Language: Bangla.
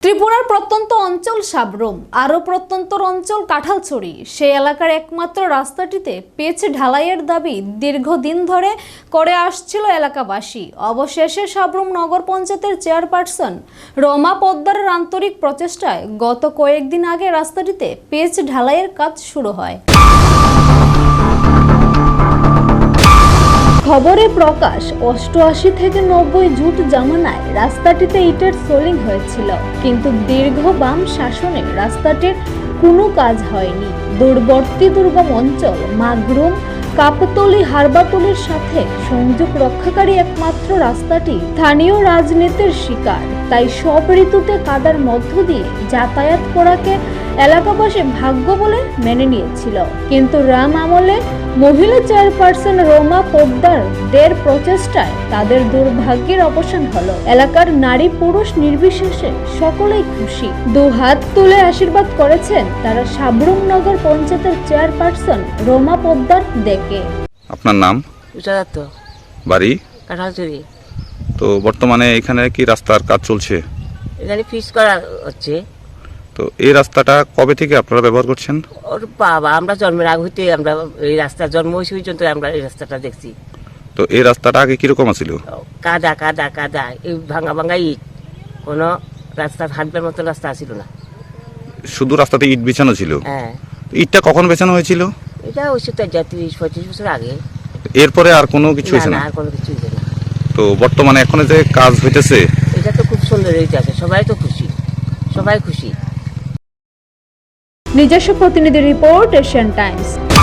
ত্রিপুরার প্রত্যন্ত অঞ্চল সাবরুম আরও প্রত্যন্তর অঞ্চল কাঁঠালছড়ি সেই এলাকার একমাত্র রাস্তাটিতে পিচ ঢালাইয়ের দাবি দীর্ঘদিন ধরে করে আসছিল এলাকাবাসী। অবশেষে সাবরুম নগর পঞ্চায়েতের চেয়ারপারসন রমা পোদ্দারের আন্তরিক প্রচেষ্টায় গত কয়েকদিন আগে রাস্তাটিতে পিচ ঢালাইয়ের কাজ শুরু হয়। খবরে প্রকাশ 88 থেকে 90 জুট জামানায় রাস্তাটিতে ইটের সোলিং হয়েছিল, কিন্তু দীর্ঘ বাম শাসনে রাস্তাটির কোনো কাজ হয়নি। দূরবর্তী দুর্গম অঞ্চল মাগরুম কাপতলি হারবাতলির সাথে সংযোগ রক্ষাকারী একমাত্র রাস্তাটি স্থানীয় রাজনীতির শিকার। তাই সব ঋতুতে কাদার মধ্য দিয়ে যাতায়াত করাকে এলাকাবাসী ভাগ্য বলে মেনে নিয়েছিল, কিন্তু রাম আমলে মহিলা চেয়ারপারসন রমা পোদ্দারদের প্রচেষ্টায় তাদের দুর্ভাগ্যের অবসান হলো। এলাকার নারী পুরুষ নির্বিশেষে সকলেই খুশি, দুহাত তুলে আশীর্বাদ করেছেন তারা সাবরুম নগর পঞ্চায়েতের চেয়ারপারসন রমা পোদ্দার দেখে। আপনার নাম? বাড়ি? কাঁঠালছড়ি। তো বর্তমানে এখানে কি রাস্তার কাজ চলছে? এখানে ফিস করা হচ্ছে। তো এই রাস্তাটা কবে থেকে আপনারা ব্যবহার করছেন? ওর বাবা, আমরা জন্মের আগে হইতে আমরা এই রাস্তা জন্ম হয়েছে পর্যন্ত আমরা এই রাস্তাটা দেখছি। তো এই রাস্তাটা আগে কিরকম ছিল? কাদা কাদা কাদা, এই ভাঙা ভাঙা ইট, কোনো রাস্তা হাঁটবার মতো রাস্তা ছিল না। শুধু রাস্তাতে ইট বিছানো ছিল? হ্যাঁ। ইটটা কখন বেছানো হয়েছিল? এটা হচ্ছে তো 30-35 বছর আগে। এরপরে আর কোনো কিছু হয়েছে না? আর কোনো কিছু হয়েছে না। তো বর্তমানে এখানে যে কাজ হইতেছে এটা তো খুব সুন্দর হয়েছে, সবাই তো খুশি, সবাই খুশি। নিজস্ব প্রতিনিধি রিপোর্ট, এশিয়ান টাইমস।